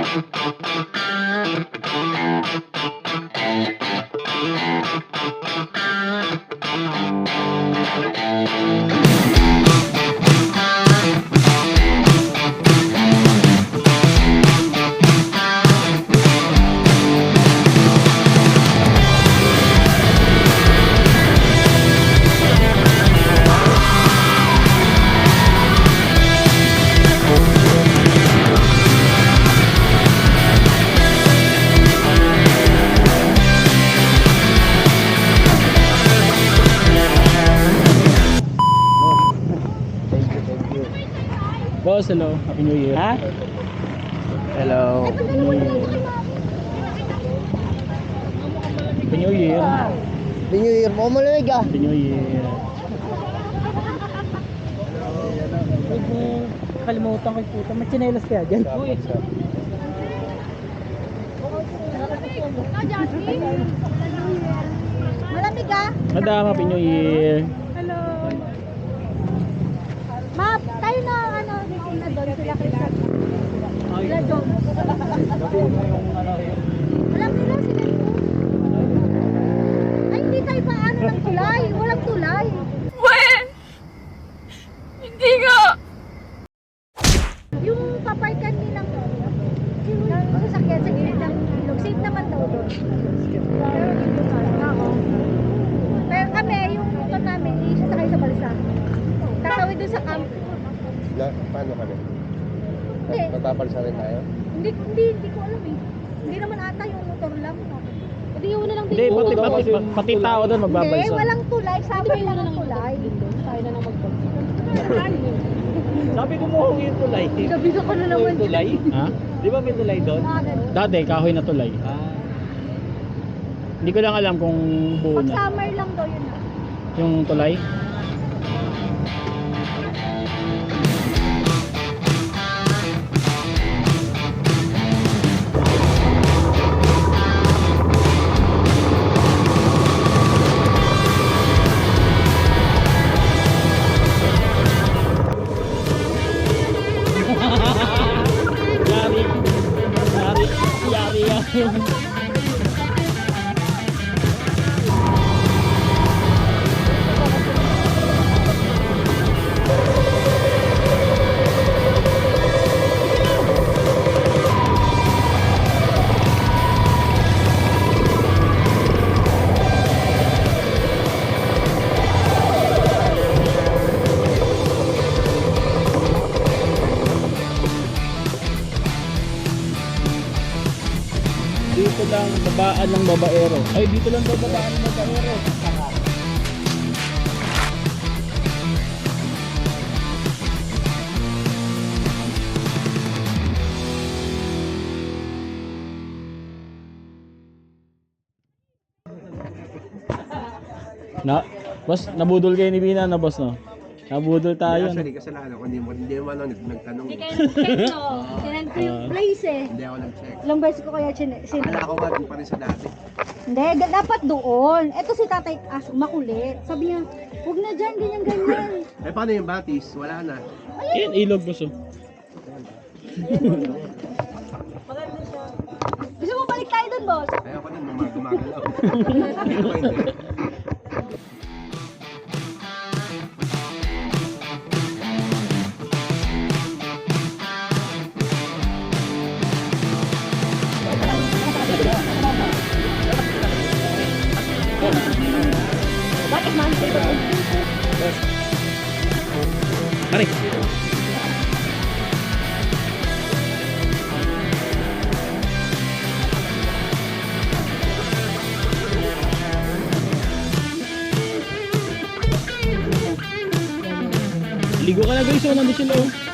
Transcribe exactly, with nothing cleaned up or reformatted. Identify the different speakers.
Speaker 1: Boss, hello. Happy New Year.
Speaker 2: Ha? Hello.
Speaker 1: Happy New Year. Happy New Year.
Speaker 2: Happy New Year mo, malamig ah.
Speaker 1: Happy New Year.
Speaker 3: Kalimutan ko yung puta. May tsinelas kaya dyan. Uy.
Speaker 4: Malamig ah.
Speaker 1: Madam, Happy New Year.
Speaker 4: Hello. Ma, tayo na ano, na doon sila Christian. Sila John. Alam nila sila yun. Ay, hindi tayo pa ano ng tulay. Walang tulay.
Speaker 5: When? Hindi nga.
Speaker 4: Yung paparkan nilang ng sasakyan sa gilid ng ilog. Safe naman daw doon. Pero dito sa oo. Pero kami, yung motor namin, isasakay sa balsa. Tatawid doon sa camp.
Speaker 2: Na, paano kami?
Speaker 4: Hindi.
Speaker 2: Tatapal sa rin tayo?
Speaker 4: Hindi, hindi, hindi ko alam eh. Hindi naman ata yung motor lang. No? Hindi yun na lang
Speaker 1: Hindi, pati, pati, pati, pati tao doon
Speaker 4: Hindi,
Speaker 1: magbabalsa.
Speaker 4: walang tulay. Sabay lang ang tulay. Tayo na lang magbalsa.
Speaker 2: Sabi ko mo yung tulay.
Speaker 4: Gabiga ko na naman.
Speaker 2: Tulay?
Speaker 1: Ha?
Speaker 2: Di ba may tulay doon?
Speaker 4: Ah, ganun.
Speaker 1: Dati, kahoy na tulay.
Speaker 2: Ah.
Speaker 1: Hindi ko lang alam kung buo
Speaker 4: Pag
Speaker 1: na.
Speaker 4: summer lang daw yun ah.
Speaker 1: Yung tulay. Yari. Yari. Yari yan. Dito lang babaan ng babaero. Ay, dito lang babaan ng babaero. Na, boss, nabudol kayo ni Bina na boss, no? Nabudol tayo.
Speaker 2: Actually, kasalanan ko. Hindi mo, hindi mo ano, nag- nagtanong.
Speaker 4: Hindi kayo nag-check no. Sinend ko yung
Speaker 1: Ah.
Speaker 4: place eh.
Speaker 2: Hindi ako nag-check.
Speaker 4: Ilang beses ko kaya sin sin
Speaker 2: Akala ko nga doon pa rin sa dati.
Speaker 4: Hindi, ga- dapat doon. Eto si Tatay As, makulit. Sabi niya, huwag na dyan, ganyan, ganyan.
Speaker 2: Eh paano yung batis? Wala na.
Speaker 1: Yan, ilog, boss, oh.
Speaker 4: Gusto mo balik tayo doon, boss?
Speaker 2: Kaya ako din, mga gumagalaw. Hindi ko hindi.
Speaker 4: Bakit man?
Speaker 1: Mari. Ligo ka na guys, oh, nandun sila oh.